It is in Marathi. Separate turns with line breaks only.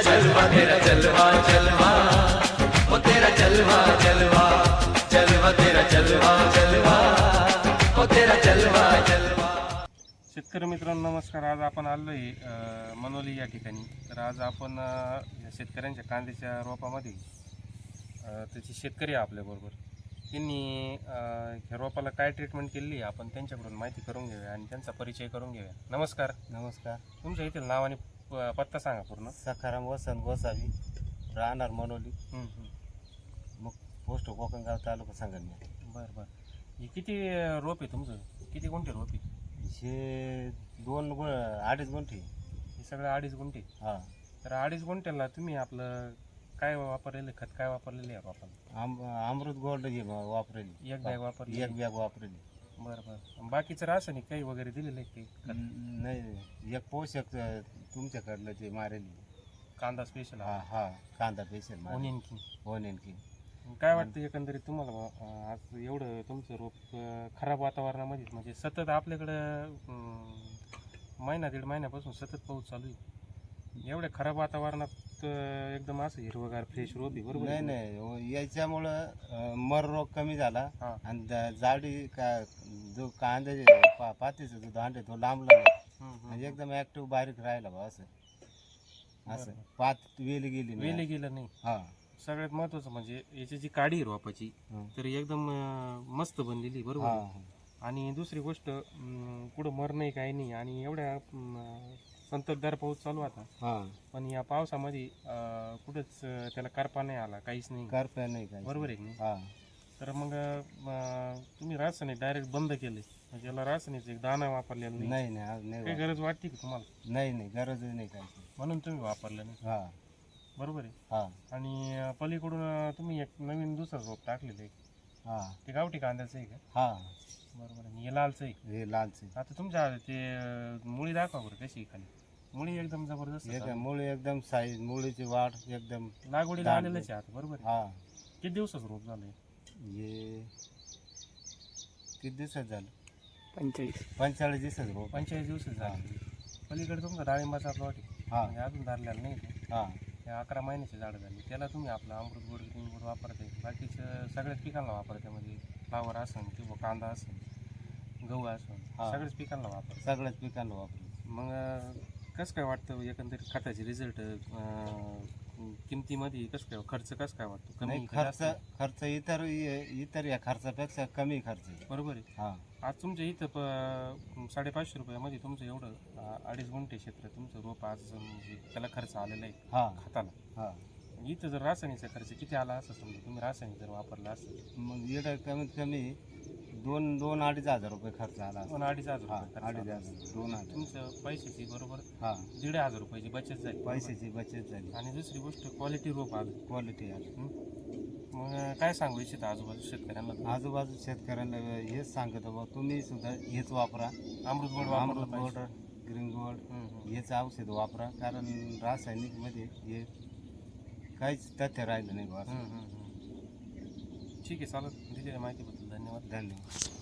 जलवा तेरा जलवा जलवा ओ तेरा जलवा जलवा जलवा तेरा जलवा जलवा ओ तेरा जलवा जलवा।
शेतकरी मित्रांनो नमस्कार। आज आपण आलो आहे मनोली या ठिकाणी। तर आज आपण शेतकऱ्यांच्या कांद्याच्या रोपामध्ये त्याचे शेतकरी आहे आपल्याबरोबर, त्यांनी ह्या रोपाला काय ट्रीटमेंट केली आपण त्यांच्याकडून माहिती करून घेऊया आणि त्यांचा परिचय करून घेऊया। नमस्कार।
नमस्कार।
तुमच्या इथे नाव आणि पत्ता सांगा पूर्ण।
सखाराम वसंत गोसावी, राहणार मनोली, मग पोस्ट कोकणगाव, तालुका संगमनेर।
बरं बरं। हे किती रोप आहे तुमचं? किती गुंठे रोप आहे?
हे 2-2.5 गुंठे।
हे सगळं 2.5 गुंठे?
हां।
तर 2.5 गुंठ्याला तुम्ही आपलं काय वापरलेलं खत, काय वापरलेलं आहे रोपाला?
अमृत गोल्ड हे वापरेली,
एक बॅग वापरली?
एक बॅग वापरेली।
बरं बरं। बाकीचं रासायनिक काही वगैरे दिलेलं आहे ते?
नाही, एक पोषक तुमच्याकडलं ते मारेली,
कांदा स्पेशल?
हा हा, कांदा पेशल
ओनियन की काय वाटतं एकंदरीत तुम्हाला? आज एवढं तुमचं रोप खराब वातावरणामध्ये, म्हणजे सतत आपल्याकडं महिना दीड महिन्यापासून सतत पाऊस चालू आहे, एवढ्या खराब वातावरणात एकदम असं हिरवगार फ्रेश रोप आहे, बरोबर?
नाही नाही, याच्यामुळं मर रोग कमी झाला
हां।
आणि जाडी का जो कांद्याचे पातीचा जो दांड आहे तो लांबला, म्हणजे एकदम ऍक्टिव्ह बारीक राहिला बा, असं पात वेली
गेलं नाही।
हा,
सगळ्यात महत्वाचं म्हणजे याची जी काडी आहे रोपाची, तर एकदम मस्त बनलेली, बरोबर? आणि दुसरी गोष्ट कुठं मर नाही, काही नाही, आणि एवढ्या संततधार पाऊस चालू आता, पण या पावसामध्ये कुठंच त्याला करपा नाही आला, काहीच नाही,
करपा नाही काही,
बरोबर आहे की नाही? तर मग तुम्ही रासायनिक डायरेक्ट बंद केले, म्हणजे याला रासायनिक एक दाणा वापरलेला नाही?
नाही,
काही गरज वाटते की तुम्हाला?
नाही, गरज नाही काही,
म्हणून तुम्ही वापरलं नाही, बरोबर आहे? आणि पलीकडून तुम्ही एक नवीन दुसरं रोप टाकलेलं आहे, ते गावठी कांद्याचं आहे का? बरोबर आहे। हे लालचं आहे?
हे लालच।
आता तुमच्या ते मुळी दाखवा बरं कशी खाली, मुळी एकदम जबरदस्त,
मुळी एकदम साईज, मुळीची वाढ एकदम
लागवडीला आलेलंच आहे आता, बरोबर आहे? किती दिवसाचं रोप झालंय
हे? किती दिवसात झालं?
45
दिवसाचं रोप।
45 दिवसाचं झालं। पलीकडे तुमचा डाळिंबाचा प्लॉट आहे, म्हणजे अजून धरलेला नाही ते, 11 महिन्याची झाडं झाली, त्याला तुम्ही आपलं अमृत गोड ग्रीन गोड वापरते, बाकीचं सगळ्याच पिकांना वापरते, म्हणजे फ्लावर असेल किंवा कांदा असेल, गहू असेल, सगळ्याच पिकांना वापरते। मग कसं काय वाटतं एकंदरीत खताचे रिझल्ट? किमतीमध्ये कसं काय, खर्च कसं काय वाटतो? कमी
खर्च इतर या खर्चापेक्षा कमी खर्च आहे,
बरोबर आहे? आज तुमच्या इथं 550 रुपयामध्ये तुमचं एवढं 2.5 गुंठे क्षेत्र तुमचं रोप आज म्हणजे त्याला खर्च आलेला आहे खताला। इथं जर रासायनिकचा खर्च किती आला असं समजा, तुम्ही रासायनिक जर वापरला असेल, मग
इकडे कमीत कमी 2-2-2.5 हजार रुपये खर्च आला।
2-2.5 हजार
तुमचं
पैशाची बरोबर 1,500 रुपयाची बचत झाली,
पैशाची बचत झाली।
आणि दुसरी गोष्ट क्वालिटी रोप आली, मग काय सांगू इच्छित आजूबाजू शेतकऱ्यांना?
आजूबाजू शेतकऱ्यांना हेच सांगतो बा, तुम्ही सुद्धा हेच वापरा,
अमृत
गोड ग्रीन गोड हेच औषध वापरा, कारण रासायनिक मध्ये हे काहीच तथ्य राहिलं नाही बा।
ठीक आहे, चालत दिलेल्या माहितीबद्दल धन्यवाद।